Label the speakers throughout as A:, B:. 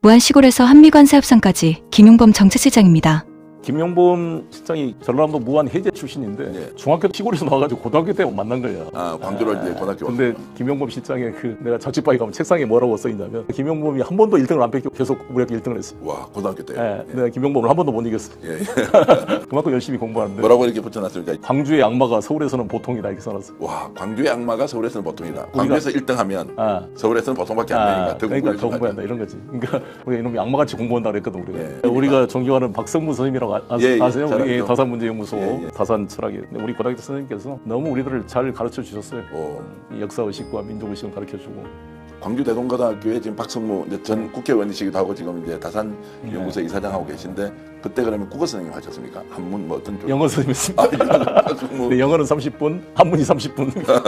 A: 무안시골에서 한미관세 협상까지 김용범 정책실장입니다.
B: 김용범 실장이 전라남도 무안 해제 출신인데
C: 네.
B: 중학교 시골에서 나와가지고 고등학교 때 만난 거야.
C: 아, 광주로 이제 고등학교.
B: 근데 김용범 실장의 그 내가 자취방에 가면 책상에 뭐라고 써있냐면 김용범이 한 번도 1등을 안 뺏기고 계속 우리 학교 1등을 했어.
C: 와, 고등학교 때.
B: 예, 내가 김용범을 한 번도 못 이겼어.
C: 예.
B: 그만큼 열심히 공부하는데
C: 뭐라고 이렇게 붙여놨습니까?
B: 광주의 악마가 서울에서는 보통이다 이렇게 써놨어.
C: 와, 광주의 악마가 서울에서는 보통이다. 광주에서 1등하면
B: 아.
C: 서울에서는 보통밖에 안 되니까 더
B: 그러니까 더
C: 공부해야
B: 공부한다 이런 거지. 그러니까 우리가 이놈이 악마같이 공부한다 그랬거든 우리가.
C: 예.
B: 우리가 존경하는 박성무 선생님이라고
C: 예, 예.
B: 아세요?
C: 잘
B: 우리
C: 알죠.
B: 다산문제연구소
C: 예, 예.
B: 다산 철학의 우리 고등학교 선생님께서 너무 우리들을 잘 가르쳐 주셨어요.
C: 오.
B: 이 역사의식과 민족의식을 가르쳐주고.
C: 광주 대동고등학교에 지금 박성무 이제 전 국회의원이시기도 하고 지금 이제 다산 연구소 이사장하고 계신데 그때 그러면 국어 선생님 하셨습니까? 한문 뭐 어떤 쪽?
B: 영어 선생님이었습니다.
C: 박성무.
B: 네, 영어는 30분, 한문이 30분.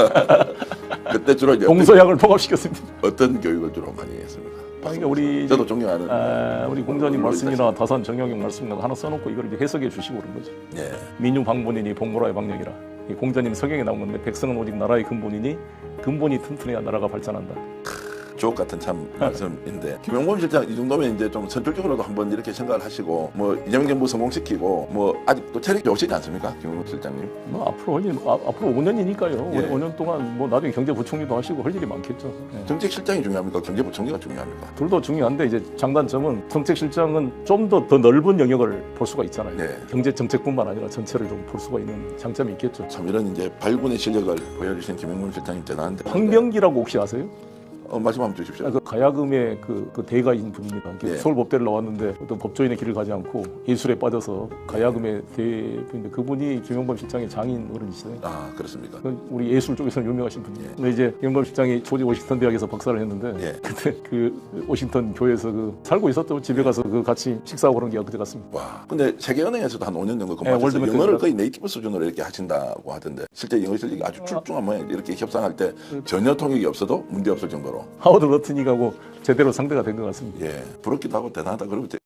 C: 그때 주로 이제
B: 동서양을 통합시켰습니다.
C: 어떤 교육을 주로 많이 했습니까?
B: 그러니까 우리
C: 저도 존경하는
B: 우리 공자님 말씀이나 다산 정영용 말씀이나 하나 써놓고 이걸 이제 해석해 주시고 그런 거지.
C: 예.
B: 민유 방본이니 복무라의 방역이라. 이 공자님 성경에 나온 건데 백성은 오직 나라의 근본이니 근본이 튼튼해야 나라가 발전한다.
C: 주옥 같은 참 말씀인데 김용범 실장 이 정도면 이제 좀 선출적으로도 한번 이렇게 생각을 하시고 뭐 이재명 정부 성공시키고 뭐 아직도 체력이 좋으시지 않습니까, 김용범 실장님?
B: 뭐 앞으로 할 일, 앞으로 5년이니까요.
C: 예.
B: 5년 동안 뭐 나중에 경제부총리도 하시고 할 일이 많겠죠. 예.
C: 정책실장이 중요합니까? 경제부총리가 중요합니까?
B: 둘도 중요한데 이제 장단점은 정책실장은 좀 더 넓은 영역을 볼 수가 있잖아요.
C: 네.
B: 경제 정책뿐만 아니라 전체를 좀 볼 수가 있는 장점이 있겠죠.
C: 참 이런 이제 발군의 실력을 보여주신 김용범 실장님 대단한데.
B: 황병기라고 혹시 아세요?
C: 말씀 한번 주십시오.
B: 그 가야금의 그 대가인 분입니다.
C: 예.
B: 서울법대를 나왔는데 어떤 법조인의 길을 가지 않고 예술에 빠져서 가야금의 대부인데 그분이 김용범 실장의 장인 어른이시잖아요.
C: 아, 그렇습니까?
B: 우리 예술 쪽에서는 유명하신 분이에요. 근데 이제 김용범 실장이 조지 워싱턴 대학에서 박사를 했는데
C: 예.
B: 그때 그 워싱턴 교회에서 그 살고 있었던 집에 가서 그 같이 식사하고 그런 게 그때 갔습니다.
C: 와, 근데 세계은행에서도 한 5년 정도
B: 예,
C: 근무하셔서
B: 월드뱅크
C: 영어를 거의 네이티브 수준으로 이렇게 하신다고 하던데 실제 영어 실력이 아주 출중한 모양. 이렇게 협상할 때 전혀 통역이 없어도 문제 없을 정도로.
B: 하워드 러트닉하고 제대로 상대가 된 것 같습니다.
C: 예, 부럽기도 하고 대단하다. 그러고